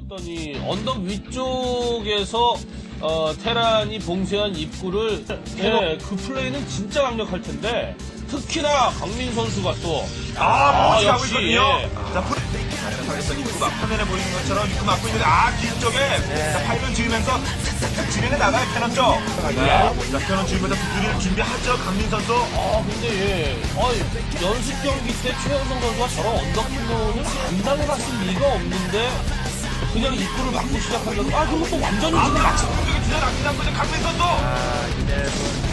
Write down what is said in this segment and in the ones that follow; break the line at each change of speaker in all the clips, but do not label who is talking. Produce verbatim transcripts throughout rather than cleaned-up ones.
어떤 이 언덕 위쪽에서 어, 테란이 봉쇄한 입구를 예, 그 플레이는 진짜 강력할 텐데 특히나 강민 선수가 또
아, 멋지게 하고
역시,
있거든요.
예.
자, 풀. 자, 상에서 입구가 화면에 보이는 것처럼 입구 막고 있는데, 아, 뒤쪽에. 자, 파이를 지으면서 착착착 진행해 나가요, 캐논 쪽. 네. 자, 캐논 지으면서 두드릴 준비하죠, 강민 선수.
아 근데 예, 어, 연습 경기 때 최영성 선수가 저런 언덕 플로우는 감당해봤을 리가 없는데 그냥 입구를 막고 시작하려고 아 그거 또 완전히
아,
지금
같이 공격에 뒤에 낚시한 거죠, 강민 선수.
아, 이제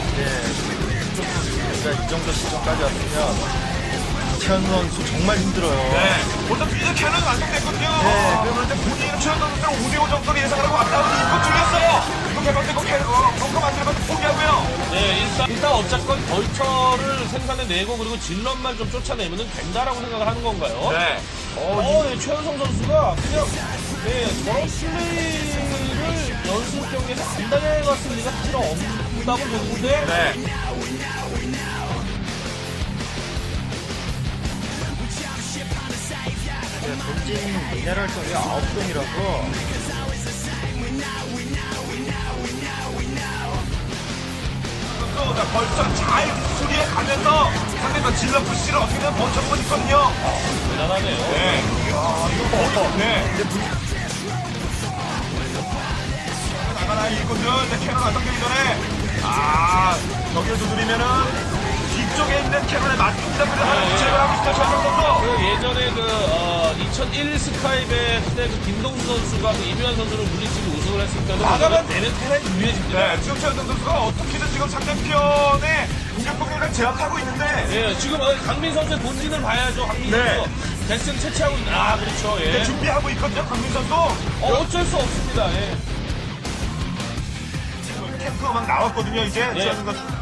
이제 이 정도 시점까지 왔으면 최현 선수 정말 힘들어요.
네. 먼저 이제 캐논은 완성됐거든요.
네.
그러면 이제 본인은 최현 선수랑 오 대 오 정도로 예상을 하고 왔다고 이거 줄였어요. 이거 개방되고 캐논, 벙커 만들어서 포기하고요.
네, 일단, 일단 어쨌건 벌처를 생산해내고 그리고 질럿만 좀 쫓아내면 된다라고 생각을 하는 건가요?
네.
어, 네, 최현성 선수가 그냥 네, 저런 플레이를 연습 경기에서 안 당해봤을 리가 사실 없다고 보는데
네.
본진 미네랄 쪽이 아홉 동이라서
또, 자, 벌써 잘 수리해 가면서 상대가 질러 푸시를 어떻게든 버텨보고 있거든요.
대단하네요.
네. 아, 이거 거의, 네. 나가나, 이곳은 이제 캐논 완성되기 전에, 아, 여기를 두드리면은, 뒤쪽에 있는 캐논에 맞습니다. 그래서
네.
제거를 하고 있어요, 최정 선수.
그 예전에 그, 어, 이천일 스카이bet 때 그 김동수 선수가 그 이묘한 선수를 물리치고 우승을 했을 때도 나가면 내는 테란이 유리해집니다.
네, 지금 최정 선수가 어떻게든 지금 상대편의 공격 폭력을 제압하고 있는데,
예, 지금 어, 강민 선수의 본진을 봐야죠. 강민
네.
선수. 대승 채취하고 있는, 아, 그렇죠. 예.
이제 준비하고 있거든요, 강민 선수.
어, 어쩔 수 없습니다. 예.
캠프가 막 나왔거든요, 이제.
네.
최정 선수.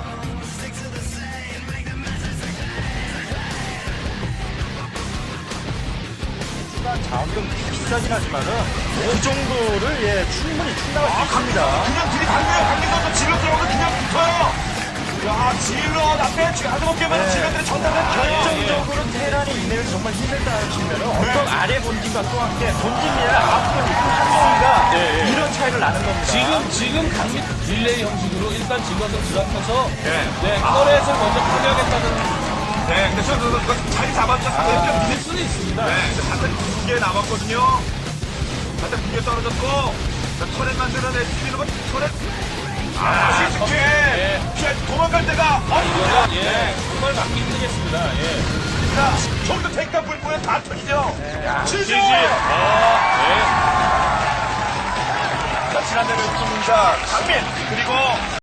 자원금 비싸긴 하지만은 그 정도를 예 충분히 충당할 수 있습니다.
그냥 들이닥쳐요. 강민 선수 질러 들어오면 그냥 붙어요. 야, 질러 앞에 지금 하드먹게만
네.
질러들이 전달을 켜요.
결정적으로 테란이 이내를 정말 힘들다 치면은 어떤 아래 본진과 또 함께 본진 미네랄 아홉 동, 한 동이가
네, 네.
이런 차이를 나는 겁니다.
지금, 지금 강민 릴레이 형식으로 일단 질럿을 드랍해서,
네.
네, 터렛을 먼저 파괴하겠다는
네, 근데 최정 선수가 자리 잡았죠. 상대편
믿을 수는 있습니다.
네, 이제 사탄 두 개 남았거든요. 사탄 두 개 떨어졌고, 자, 터렛 만들어내, 튀기는 거, 터렛. 아, 시스케!
예.
피해, 도망갈 때가,
아, 이거는, 예,
네.
정말 막기 힘들겠습니다. 예.
자, 좀더 택가 불보에 다 터지죠. 지지!
지지. 아, 예.
자, 지난대로 습니다 강민, 그리고